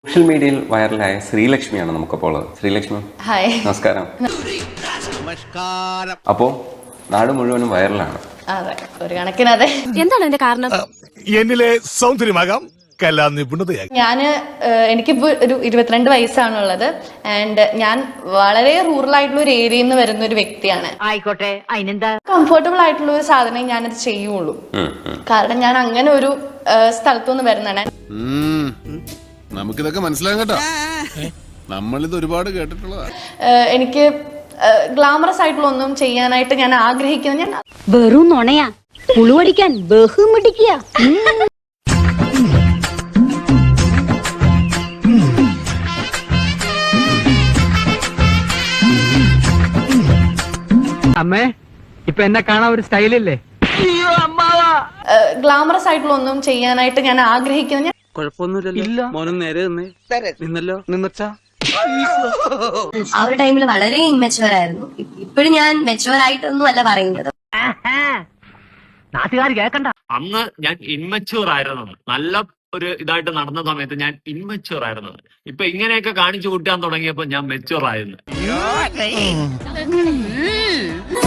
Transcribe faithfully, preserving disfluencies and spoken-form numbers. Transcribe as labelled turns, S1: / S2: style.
S1: Social മീഡിയയിൽ വൈറലായ ശ്രീലക്ഷ്മിയാണ് നമുക്കപ്പോൾ ഉള്ളത്. ശ്രീലക്ഷ്മി,
S2: ഹായ്,
S1: നമസ്കാരം. അപ്പോ നാട് മുഴുവനും വൈറലാണ്.
S2: അതെ, ഒരു കണക്കിന് അതെ.
S3: എന്താണ് എന്റെ കാരണം?
S4: എന്നിലെ സൗന്ദര്യമാകാം, കലാ നിപുണതയാകാം.
S2: ഞാന് എനിക്കിപ്പോ ഒരു ഇരുപത്തിരണ്ട് വയസ്സാണുള്ളത്. ആൻഡ് ഞാൻ വളരെ റൂറൽ ആയിട്ടുള്ള ഒരു ഏരിയയിൽ നിന്ന് വരുന്ന ഒരു വ്യക്തിയാണ്.
S5: ആയിക്കോട്ടെ, അതിനെന്താ?
S2: കംഫർട്ടബിൾ ആയിട്ടുള്ള ഒരു സാധനം ഞാനത് ചെയ്യുള്ളൂ. കാരണം ഞാൻ അങ്ങനെ ഒരു സ്ഥലത്തുനിന്ന് വരുന്നതാണ്.
S6: നമുക്കിതൊക്കെ മനസ്സിലാകും കേട്ടോ, നമ്മളിത് ഒരുപാട് കേട്ടിട്ടുള്ളതാ.
S2: എനിക്ക് ഗ്ലാമറസ് ആയിട്ടുള്ള ഒന്നും ചെയ്യാനായിട്ട് ഞാൻ ആഗ്രഹിക്കുന്നത് ഞാൻ
S5: വെറും നുണയാ, പുളുവടിക്കാൻ ബഹുമിടിക്കുക.
S7: അമ്മേ, ഇപ്പൊ എന്നെ കാണാൻ ഒരു സ്റ്റൈലില്ലേ?
S2: ഗ്ലാമറസ് ആയിട്ടുള്ള ഒന്നും ചെയ്യാനായിട്ട് ഞാൻ ആഗ്രഹിക്കുന്നത് ഞാൻ
S7: കുഴപ്പമൊന്നുമില്ലല്ലോ. മോനും നേരെ നിന്നേ. നിന്നല്ലോ, നിന്നച്ചാ.
S8: ആ ഒരു ടൈമിൽ വളരെ ഇൻമെച്ചുവർ ആയിരുന്നു. ഇപ്പോഴും ഞാൻ മെച്ചുവർ ആയിട്ടൊന്നും അല്ല പറയുന്നത്.
S7: നാട്ടുകാർ കേക്കണ്ട.
S9: അന്ന് ഞാൻ ഇൻമെച്ചുവർ ആയിരുന്നത്, നല്ല ഒരു ഇതായിട്ട് നടന്ന സമയത്ത് ഞാൻ ഇൻമെച്ചുവർ ആയിരുന്നത്. ഇപ്പൊ ഇങ്ങനെയൊക്കെ കാണിച്ചു കൂട്ടാൻ തുടങ്ങിയപ്പോ ഞാൻ മെച്ചുവർ ആയിരുന്നു.